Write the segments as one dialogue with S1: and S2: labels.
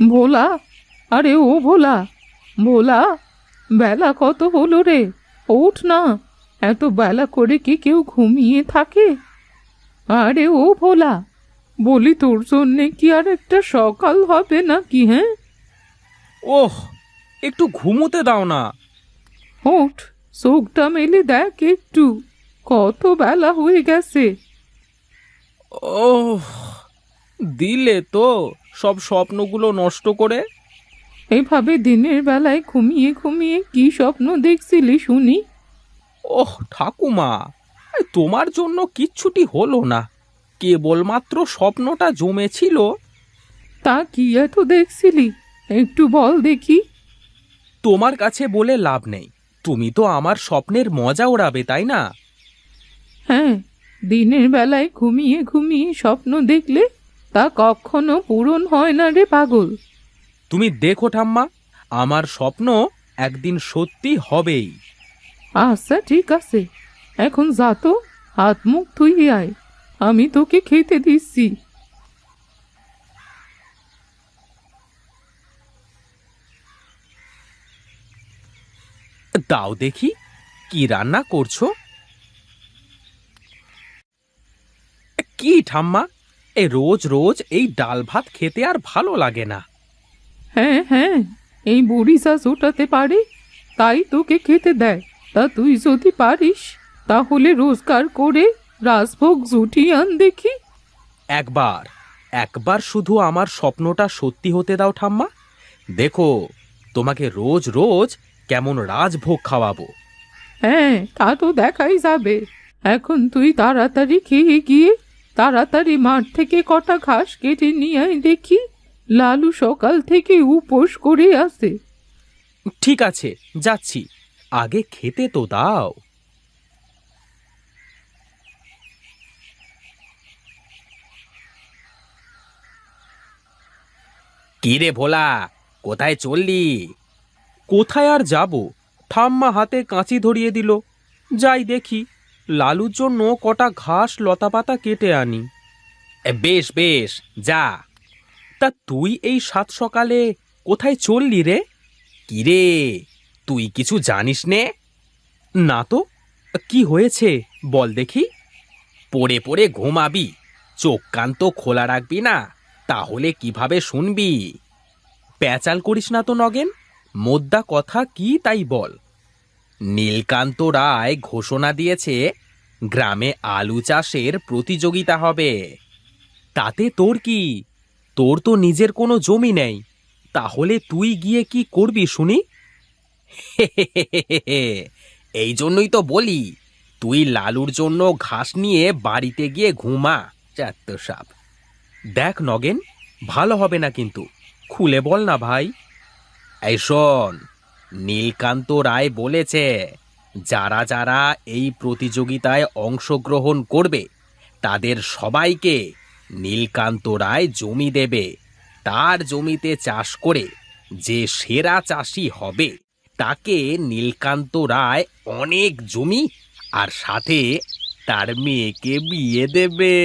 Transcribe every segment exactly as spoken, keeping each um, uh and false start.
S1: ভোলা, আরে ও ভোলা, ভোলা, বেলা কত হলো রে? ওঠ না, এত বেলা করে কি কেউ ঘুমিয়ে থাকে? আরে ও ভোলা, বলি তোর জন্যে কি আর একটা সকাল হবে নাকি? হ্যাঁ,
S2: ওহ, একটু ঘুমোতে দাও না।
S1: ওঠ, চোখটা মেলে দেখ একটু, কত বেলা হয়ে গেছে।
S2: ওহ, দিলে তো সব স্বপ্নগুলো নষ্ট করে।
S1: এভাবে দিনের বেলায় ঘুমিয়ে ঘুমিয়ে কি স্বপ্ন দেখছিলি শুনি?
S2: ওহ ঠাকুমা, এই তোমার জন্য কিচ্ছুটি হলো না, কেবলমাত্র স্বপ্নটা জমেছিল।
S1: তা কি এত দেখছিলি, একটু বল দেখি।
S2: তোমার কাছে বলে লাভ নেই, তুমি তো আমার স্বপ্নের মজা ওড়াবে, তাই না?
S1: হ্যাঁ, দিনের বেলায় ঘুমিয়ে ঘুমিয়ে স্বপ্ন দেখলে তা কখনো পূরণ হয় না রে পাগল।
S2: তুমি দেখো ঠাম্মা, আমার স্বপ্ন একদিন সত্যি হবেই।
S1: আচ্ছা ঠিক আছে, এখন যা তো, হাত মুখ ধুয়ে আয়, আমি তোকে খেতে দিচ্ছি।
S2: দাও দেখি, কি রান্না করছো? কি ঠাম্মা, এ রোজ রোজ এই ডাল ভাত খেতে আর ভালো লাগে না।
S1: হ্যাঁ হ্যাঁ, এই বুড়ি যা জোটাতে পারে তাই তোকে খেতে দেয়। তা তুই যদি পারিস তাহলে রোজগার করে রাজভোগ জুটিয়ে আন দেখি।
S2: একবার একবার শুধু আমার স্বপ্নটা সত্যি হতে দাও ঠাম্মা, দেখো তোমাকে রোজ রোজ কেমন রাজভোগ খাওয়াবো।
S1: হ্যাঁ, তা তো দেখাই যাবে। এখন তুই তাড়াতাড়ি খেয়ে গিয়ে তাড়াতাড়ি মাঠ থেকে কটা ঘাস কেটে নিয়ে আয় দেখি, লালু সকাল থেকে উপোস করে আসে।
S2: ঠিক আছে, যাচ্ছি, আগে খেতে তো দাও। কি রে ভোলা, কোথায় চললি? কোথায় আর যাব, ঠাম্মা হাতে কাঁচি ধরিয়ে দিল, যাই দেখি লালুর জন্য কটা ঘাস লতাপাতা কেটে আনি। এ, বেশ বেশ, যা। তা তুই এই সাত সকালে কোথায় চললি রে? কি রে, তুই কিছু জানিস নে? না তো, কি হয়েছে বল দেখি। পড়ে পড়ে ঘুমাবি, চোখ কান তো খোলা রাখবি না, তাহলে কিভাবে শুনবি? প্যাচাল করিস না তো নগেন, মোদ্দা কথা কি তাই বল। নীলকান্ত রায় ঘোষণা দিয়েছে গ্রামে আলু চাষের প্রতিযোগিতা হবে। তাতে তোর কি? তোর তো নিজের কোনো জমি নেই, তাহলে তুই গিয়ে কি করবি শুনি? এই জন্যই তো বলি, তুই লালুর জন্য ঘাস নিয়ে বাড়িতে গিয়ে ঘুমা, চাত্ত সাপ। দেখ নগেন, ভালো হবে না কিন্তু, খুলে বল না ভাই। এই শোন, নীলকান্ত রায় বলেছে যারা যারা এই প্রতিযোগিতায় অংশগ্রহণ করবে তাদের সবাইকে নীলকান্ত রায় জমি দেবে। তার জমিতে চাষ করে যে সেরা চাষি হবে তাকে নীলকান্ত রায় অনেক জমি আর সাথে তার মেয়েকে বিয়ে দেবে।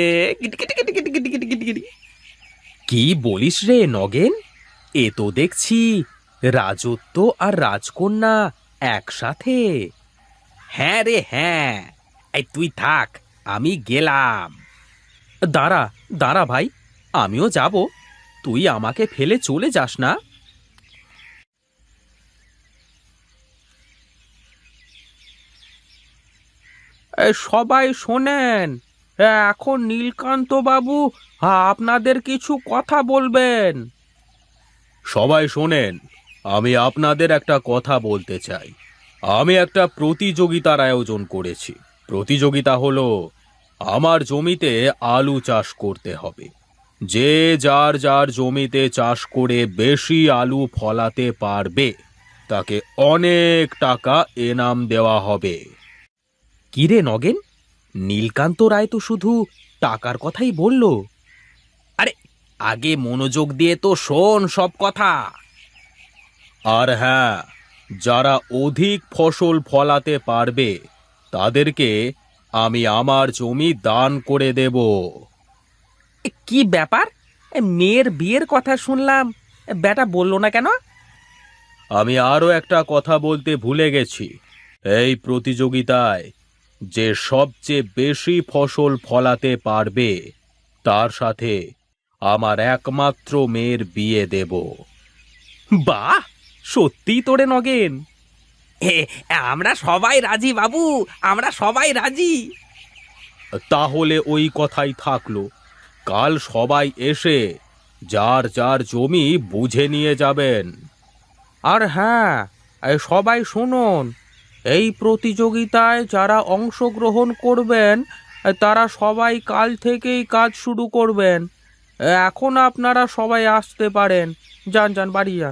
S2: কি বলিস রে নগেন, এ তো দেখছি রাজত্ব আর রাজকন্যা একসাথে। হ্যাঁ রে হ্যাঁ, এই তুই থাক, আমি গেলাম। দাঁড়া দাঁড়া ভাই, আমিও যাব, তুই আমাকে ফেলে চলে যাস না। এ, সবাই শোনেন, এখন নীলকান্ত বাবু আপনাদের কিছু কথা বলবেন। সবাই শোনেন, আমি আপনাদের একটা কথা বলতে চাই। আমি একটা প্রতিযোগিতার আয়োজন করেছি। প্রতিযোগিতা হলো, আমার জমিতে আলু চাষ করতে হবে। যে যার যার জমিতে চাষ করে বেশি আলু ফলাতে পারবে তাকে অনেক টাকা এনাম দেওয়া হবে। কিরে নগেন, নীলকান্ত রায় তো শুধু টাকার কথাই বলল। আরে, আগে মনোযোগ দিয়ে তো শোন সব কথা। আর হ্যাঁ, যারা অধিক ফসল ফলাতে পারবে তাদেরকে আমি আমার জমি দান করে দেব। কি ব্যাপার, মেয়ের বিয়ের কথা শুনলাম, বেটা বললো না কেন? আমি আরও একটা কথা বলতে ভুলে গেছি। এই প্রতিযোগিতায় যে সবচেয়ে বেশি ফসল ফলাতে পারবে তার সাথে আমার একমাত্র মেয়ের বিয়ে দেব। বাহ, সত্যি তোরে নগেন? আমরা সবাই রাজি বাবু, আমরা সবাই রাজি। তাহলে ওই কথাই থাকলো, কাল সবাই এসে যার যার জমি বুঝে নিয়ে যাবেন। আর হ্যাঁ, এই সবাই শুনুন, এই প্রতিযোগিতায় যারা অংশগ্রহণ করবেন তারা সবাই কাল থেকেই কাজ শুরু করবেন। এখন আপনারা সবাই আসতে পারেন, যান যান, বাড়ি যান।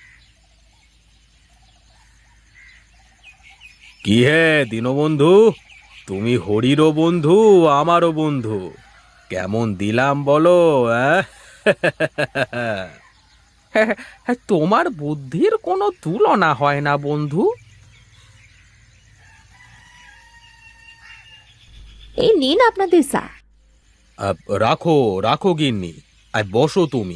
S2: কি হে দীনবন্ধু, তুমি হরিরও বন্ধু আমারও বন্ধু, কেমন দিলাম বলো? তোমার বুদ্ধির কোনো তুলনা হয় না বন্ধু।
S3: এই নিন আপনাদের চা।
S2: আহ, রাখো রাখো গিন্নি, আর বসো তুমি।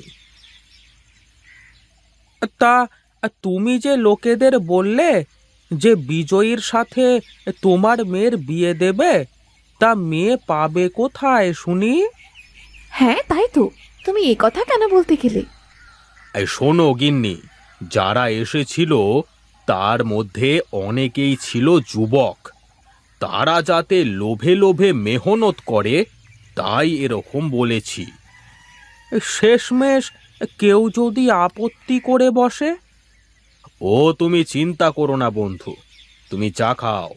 S2: তা তুমি যে লোকেদের বললে যে বিজয়ীর সাথে তোমার মেয়ের বিয়ে দেবে, তা মেয়ে পাবে কোথায় শুনি?
S3: হ্যাঁ তাই তো, তুমি এ কথা কেন বলতে গেলে?
S2: এই শোনো গিন্নি, যারা এসেছিল তার মধ্যে অনেকেই ছিল যুবক। তারা যাতে লোভে লোভে মেহনত করে তাই এরকম বলেছি। শেষমেশ কেউ যদি আপত্তি করে বসে? ও তুমি চিন্তা করো না বন্ধু, তুমি চা খাও।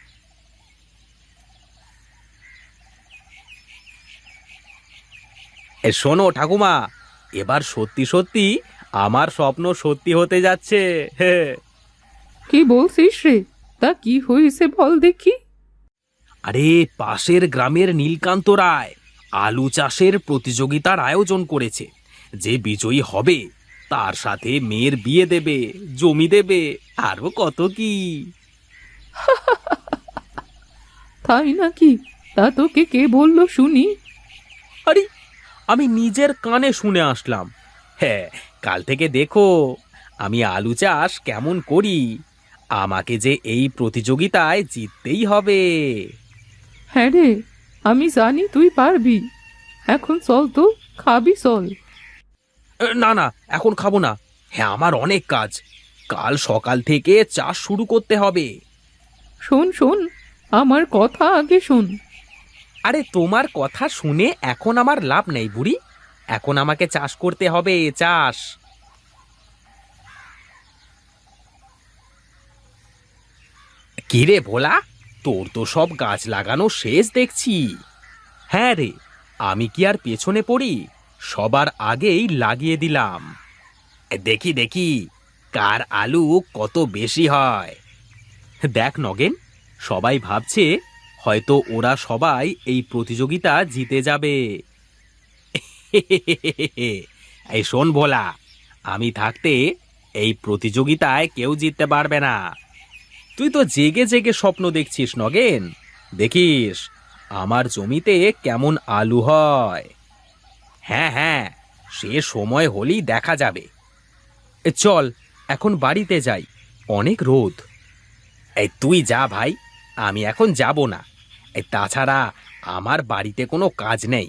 S2: এ শোনো ঠাকুমা, এবার সত্যি সত্যি আমার স্বপ্ন সত্যি হতে যাচ্ছে। হে,
S1: কি বলছিস রে? তা কি হয়েছে বল দেখি।
S2: আরে পাশের গ্রামের নীলকান্ত রায় আলু চাষের প্রতিযোগিতার আয়োজন করেছে। যে বিজয়ী হবে তার সাথে মেয়ের বিয়ে দেবে, জমি দেবে, আরো কত কি।
S1: তাই নাকি? তা তোকে কে বললো শুনি?
S2: আরে আমি নিজের কানে শুনে আসলাম। হ্যাঁ, কাল থেকে দেখো আমি আলু চাষ কেমন করি। আমাকে যে এই প্রতিযোগিতায় জিততেই হবে।
S1: হ্যাঁ রে, আমি জানি তুই পারবি। এখন চল তো, খাবি চল।
S2: এ, না না, এখন খাবো না। হ্যাঁ, আমার অনেক কাজ, কাল সকাল থেকে চাষ শুরু করতে হবে।
S1: শোন শোন, আমার কথা আগে শোন।
S2: আরে তোমার কথা শুনে এখন আমার লাভ নেই বুড়ি, এখন আমাকে চাষ করতে হবে, চাষ। কিরে ভোলা, তোর তো সব গাছ লাগানো শেষ দেখছি। হ্যাঁ রে, আমি কি আর পেছনে পড়ি, সবার আগেই লাগিয়ে দিলাম। দেখি দেখি কার আলু কত বেশি হয়। দেখ নগেন, সবাই ভাবছে হয়তো ওরা সবাই এই প্রতিযোগিতা জিতে যাবে। এই শোন ভোলা, আমি থাকতে এই প্রতিযোগিতায় কেউ জিততে পারবে না। তুই তো জেগে জেগে স্বপ্ন দেখছিস নগেন, দেখিস আমার জমিতে কেমন আলু হয়। হ্যাঁ হ্যাঁ, সে সময় হলেই দেখা যাবে। এ চল এখন বাড়িতে যাই, অনেক রোদ। এই তুই যা ভাই, আমি এখন যাব না। এই তাছাড়া আমার বাড়িতে কোনো কাজ নেই।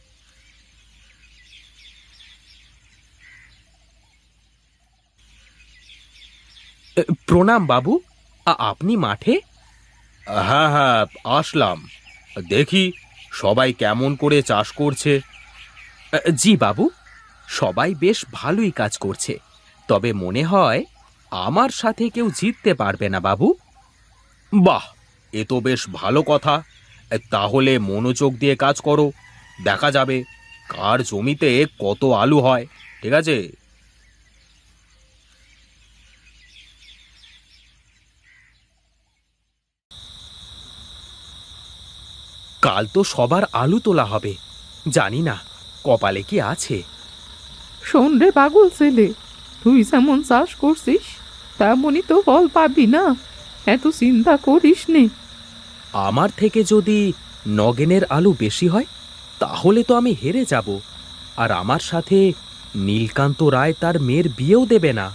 S2: এ, প্রণাম বাবু, আ- আপনি মাঠে? হ্যাঁ হ্যাঁ, আসলাম। দেখি সবাই কেমন করে চাষ করছে। জি বাবু, সবাই বেশ ভালোই কাজ করছে, তবে মনে হয় আমার সাথে কেউ জিততে পারবে না বাবু। বাহ, এ তো বেশ ভালো কথা। তাহলে মনোযোগ দিয়ে কাজ করো, দেখা যাবে কার জমিতে কত আলু হয়। ঠিক আছে? কাল তো সবার আলু তোলা হবে, জানি না কপালে কি আছে।
S1: শোন রে পাগল ছেলে, তুই যেমন চাষ করছিস তেমনই তো ফল পাবি না, এত চিন্তা করিস নে।
S2: আমার থেকে যদি নগেনের আলু বেশি হয় তাহলে তো আমি হেরে যাব, আর আমার সাথে নীলকান্ত রায় তার মেয়ের বিয়েও দেবে না।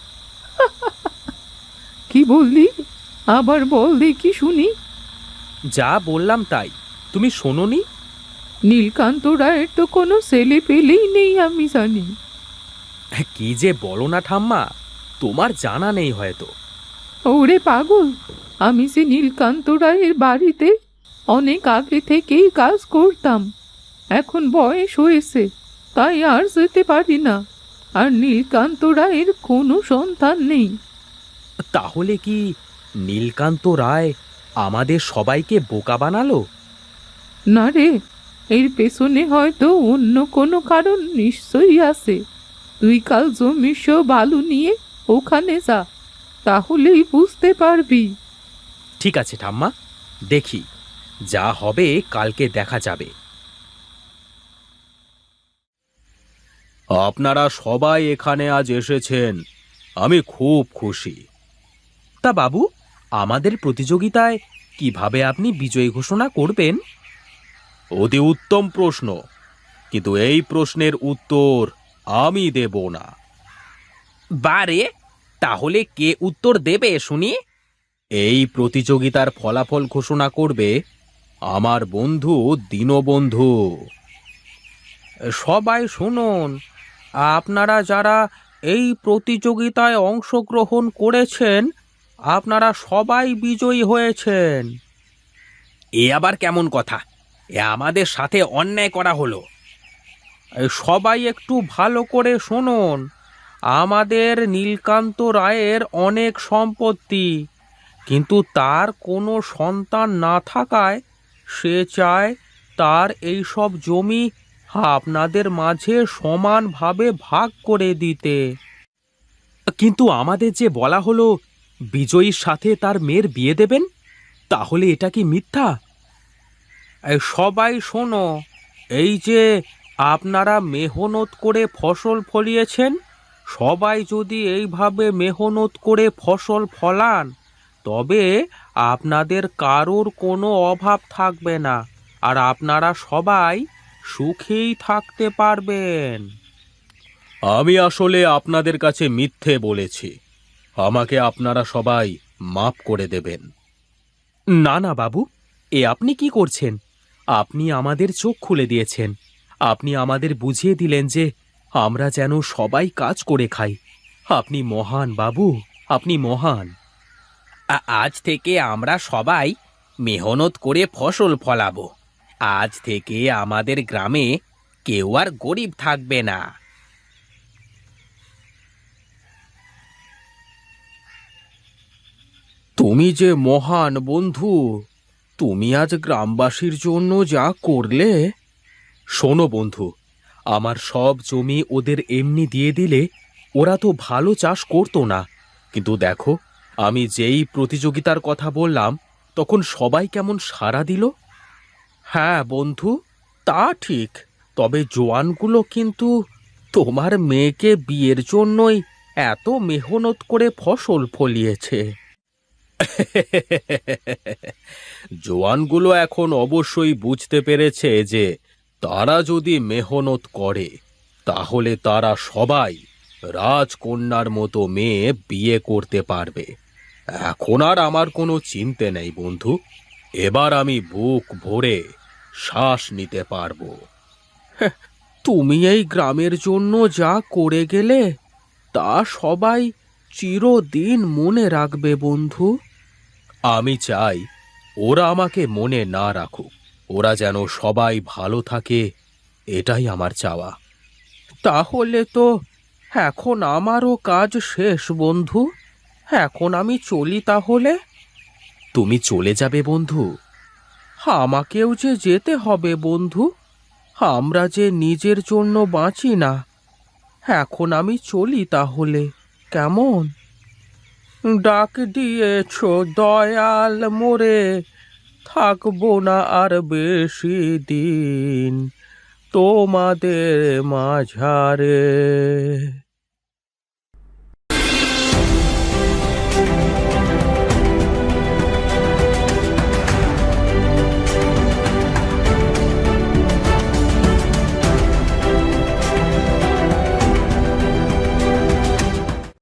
S1: কি বললি? আবার বল দেখি শুনি।
S2: যা বললাম তাই, তুমি শোনোনি?
S1: নীলকান্ত রায়ের তো কোনো ছেলে পেলেই নেই আমি জানি।
S2: কি যে বলো না ঠাম্মা, তোমার জানা নেই হয়তো।
S1: ওরে পাগল, আমি সে নীলকান্ত রায়ের বাড়িতে অনেক আগে থেকেই কাজ করতাম। এখন বয়স হয়েছে, তাই আর যেতে পারি না। আর নীলকান্ত রায়ের কোনো সন্তান নেই।
S2: তাহলে কি নীলকান্ত রায় আমাদের সবাইকে বোকা বানালো?
S1: না রে, এর পেছনে হয়তো অন্য কোনো কারণ নিশ্চয়ই আছে। তুই কাল জমির সব বালু নিয়ে ওখানে যা, তাহলেই বুঝতে পারবি।
S2: ঠিক আছে ঠাম্মা, দেখি, যা হবে কালকে দেখা যাবে। আপনারা সবাই এখানে আজ এসেছেন, আমি খুব খুশি। তা বাবু, আমাদের প্রতিযোগিতায় কিভাবে আপনি বিজয়ী ঘোষণা করবেন? অতি উত্তম প্রশ্ন, কিন্তু এই প্রশ্নের উত্তর আমি দেব না। বারে, তাহলে কে উত্তর দেবে শুনি? এই প্রতিযোগিতার ফলাফল ঘোষণা করবে আমার বন্ধু দীনবন্ধু। সবাই শুনুন, আপনারা যারা এই প্রতিযোগিতায় অংশগ্রহণ করেছেন, আপনারা সবাই বিজয়ী হয়েছেন। এ আবার কেমন কথা? এ আমাদের সাথে অন্যায় করা হলো। এই সবাই একটু ভালো করে শুনুন, আমাদের নীলকান্ত রায়ের অনেক সম্পত্তি, কিন্তু তার কোনো সন্তান না থাকায় সে চায় তার এই সব জমি আপনাদের মাঝে সমানভাবে ভাগ করে দিতে। কিন্তু আমাদের যে বলা হলো বিজয়ীর সাথে তার মেয়ের বিয়ে দেবেন, তাহলে এটা কি মিথ্যা? এই সবাই শোনো, এই যে আপনারা মেহনত করে ফসল ফলিয়েছেন, সবাই যদি এইভাবে মেহনত করে ফসল ফলান, তবে আপনাদের কারোর কোনো অভাব থাকবে না, আর আপনারা সবাই সুখেই থাকতে পারবেন। আমি আসলে আপনাদের কাছে মিথ্যে বলেছি, আমাকে আপনারা সবাই মাফ করে দেবেন। না না বাবু, এ আপনি কি করছেন? আপনি আমাদের চোখ খুলে দিয়েছেন। আপনি আমাদের বুঝিয়ে দিলেন যে আমরা যেন সবাই কাজ করে খাই। আপনি মহান বাবু, আপনি মহান। আজ থেকে আমরা সবাই মেহনত করে ফসল ফলাবো। আজ থেকে আমাদের গ্রামে কেউ আর গরিব থাকবে না। তুমি যে মহান বন্ধু, তুমি আজ গ্রামবাসীর জন্য যা করলে। শোনো বন্ধু, আমার সব জমি ওদের এমনি দিয়ে দিলে ওরা তো ভালো চাষ করতো না, কিন্তু দেখো, আমি যেই প্রতিযোগিতার কথা বললাম তখন সবাই কেমন সাড়া দিল। হ্যাঁ বন্ধু, তা ঠিক, তবে জোয়ানগুলো কিন্তু তোমার মেয়েকে বিয়ের জন্যই এত মেহনত করে ফসল ফলিয়েছে। জোয়ানগুলো এখন অবশ্যই বুঝতে পেরেছে যে তারা যদি মেহনত করে তাহলে তারা সবাই রাজকন্যার মতো মেয়ে বিয়ে করতে পারবে। এখন আর আমার কোনো চিন্তা নেই বন্ধু, এবার আমি বুক ভরে শ্বাস নিতে পারবো। তুমি এই গ্রামের জন্য যা করে গেলে তা সবাই চিরদিন মনে রাখবে বন্ধু। আমি চাই ওরা আমাকে মনে না রাখুক, ওরা যেন সবাই ভালো থাকে, এটাই আমার চাওয়া। তাহলে তো এখন আমারও কাজ শেষ বন্ধু, এখন আমি চলি তাহলে। তুমি চলে যাবে বন্ধু? আমাকেও যে যেতে হবে বন্ধু, আমরা যে নিজের জন্য বাঁচি না। এখন আমি চলি তাহলে, কেমন? ডাক দিয়েছ দয়াল মোরে, থাকবো না আর বেশি দিন তোমাদের মাঝারে।